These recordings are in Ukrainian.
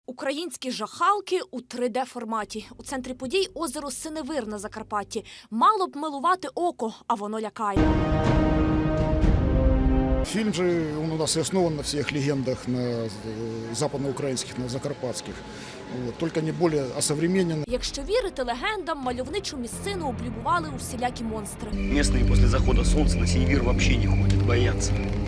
Українські жахалки у 3D-форматі. У центрі подій озеро Синевир на Закарпатті. Мало б милувати око, а воно лякає. Фильм же он у нас и основан на всех легендах, на западноукраинских, на закарпатских. Вот, только не более осовременен. Якщо вірити легендам, мальовничу місцину облюбували усілякі монстри. Местные после захода солнца на Синевир вообще не ходят, боятся.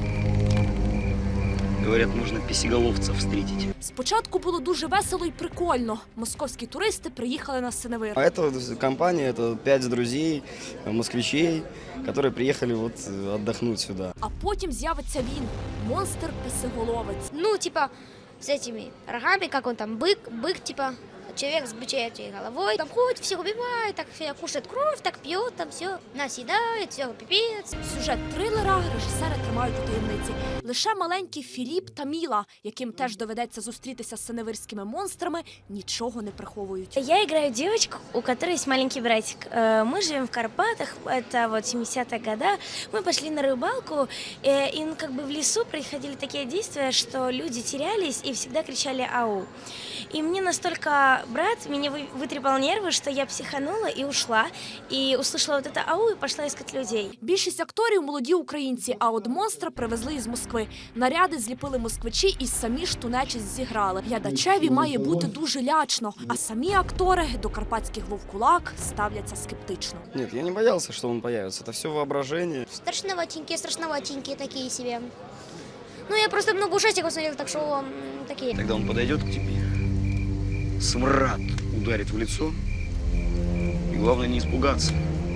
Говорят, можно песеголовцев встретить. Спочатку було дуже весело і прикольно. Московські туристи приїхали на Синевир. А это компания, это 5 друзей, москвичей, которые приехали отдохнуть сюда. А потім з'явиться він – монстр-песеголовець. Ну, типа, с этими рогами, как он там, бык, типа, человек с бычьей головой. Там ходит, всех убивает, так кушает кровь, так пьет, там все наседает, все, пипец. Сюжет трилера режисери тримають у таємниці. Лише маленький Філіп та Міла, яким теж доведеться зустрітися з синевирськими монстрами, нічого не приховують. Я играю девочку, у которой есть маленький братик. Мы живем в Карпатах, это вот 70-е годы. Мы пошли на рыбалку, и как бы в лесу происходили такие действия, что люди терялись и всегда кричали «ау». И мне настолько брат меня вытрепал нервы, что я психанула и ушла, и услышала вот это «ау» и пошла искать людей. Більшість акторів – молоді українці, а от монстра привезли із Москви. Наряди зліпили москвичі і самі ж ту нечисть зіграли. Глядачеві має бути дуже лячно, а самі актори до карпатських вовкулак ставляться скептично. Нет, я не боялся, что он появится. Это все воображение. Страшноватенькие такие себе. Ну, я просто много ужастиков смотрела, так что такие. Тогда он подойдет к тебе, смрад ударит в лицо. И главное не испугаться.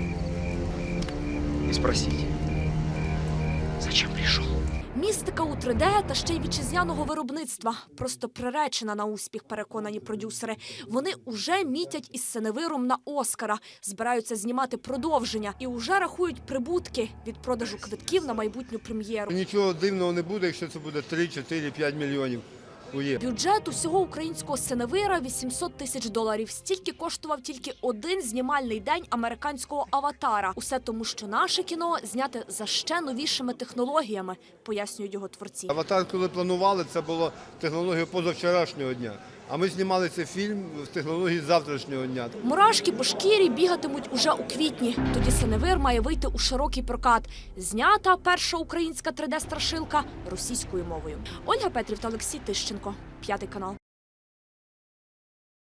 И спросить, зачем пришел? Містика у 3D та ще й вітчизняного виробництва. Просто приречена на успіх, переконані продюсери. Вони уже мітять із Синевиром на Оскара. Збираються знімати продовження і уже рахують прибутки від продажу квитків на майбутню прем'єру. Нічого дивного не буде, якщо це буде 3, 4, 5 мільйонів. Бюджет усього українського Синевира – $800 тисяч. Стільки коштував тільки один знімальний день американського «Аватара». Усе тому, що наше кіно зняте за ще новішими технологіями, пояснюють його творці. «Аватар», коли планували, це було технологія позавчорашнього дня. А ми знімали цей фільм з технології завтрашнього дня. Мурашки по шкірі бігатимуть уже у квітні. Тоді Синевир має вийти у широкий прокат. Знята перша українська 3D-страшилка російською мовою. Ольга Петрів та Олексій Тищенко. 5 канал.